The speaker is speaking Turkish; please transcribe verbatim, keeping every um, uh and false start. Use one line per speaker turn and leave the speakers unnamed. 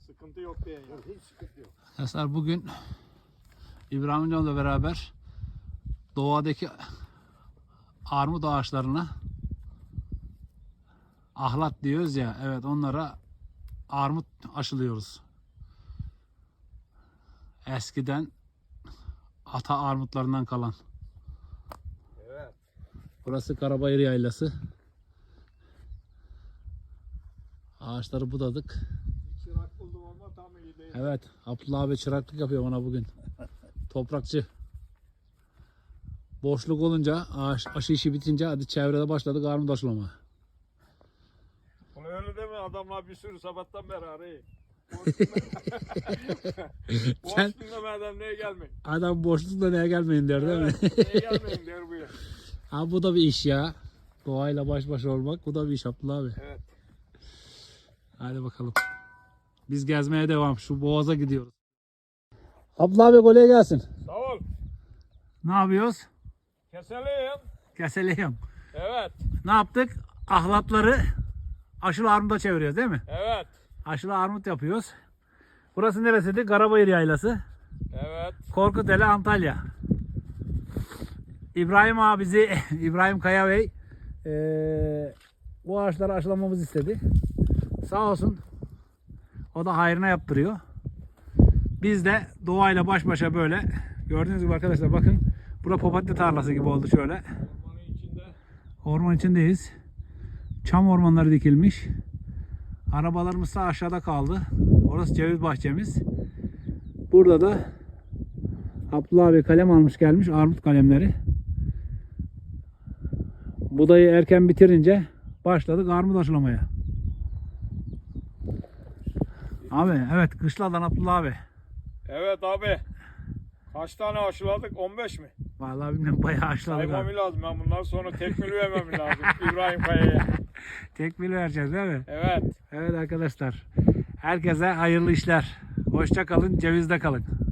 Sıkıntı yok diye ya.
Hiç sıkıntı yok.
Arkadaşlar bugün İbrahim Hocam'la beraber doğadaki armut ağaçlarına ahlat diyoruz ya, evet, onlara armut aşılıyoruz. Eskiden ata armutlarından kalan.
Evet.
Burası Karabayır Yaylası. Ağaçları budadık.
Bir çırak buldum ama tam iyi değil.
Evet, Abdullah abi çıraklık yapıyor bana bugün. Toprakçı. Boşluk olunca, ağaç aşı işi bitince hadi çevrede başladık armut aşılama.
Bunu öyle deme, adamlar bir sürü sabahtan beri arayı.
Sen-
Boş dinlemeden neye gelmeyin.
Adam boşlukla neye gelmeyin der değil mi?
Evet, neye gelmeyin der bu ya.
Ha, bu da bir iş ya. Doğayla baş başa olmak, bu da bir iş Abdullah abi.
Evet.
Hadi bakalım. Biz gezmeye devam. Şu boğaza gidiyoruz. Abdullah abi kolay gelsin.
Sağ ol.
Ne yapıyoruz?
Keselim.
Keseleyim.
Evet.
Ne yaptık? Ahlatları aşılı armuta çeviriyoruz değil mi?
Evet.
Aşılı armut yapıyoruz. Burası neresiydi? Karabayır Yaylası.
Evet.
Korkuteli, Antalya. İbrahim abisi, İbrahim Kaya Bey eee, bu ağaçları aşılamamızı istedi. Sağ olsun. O da hayrına yaptırıyor. Biz de doğayla baş başa böyle. Gördüğünüz gibi arkadaşlar bakın. Bura papatya tarlası gibi oldu şöyle.
Ormanın içinde.
Orman içindeyiz. Çam ormanları dikilmiş. Arabalarımız da aşağıda kaldı. Orası ceviz bahçemiz. Burada da Abdullah abi kalem almış gelmiş. Armut kalemleri. Budayı erken bitirince başladık armut aşılamaya. Abi evet, kışladan Abdullah abi.
Evet abi. Kaç tane aşıladık? on beş mi?
Vallahi bilmiyorum, bayağı aşıladık
Saymam
abi.
lazım. Ben bundan sonra tekmil vermem lazım İbrahim Kaya'ya.
Tekmil vereceğiz değil mi?
Evet.
Evet arkadaşlar. Herkese hayırlı işler. Hoşça kalın, cevizde kalın.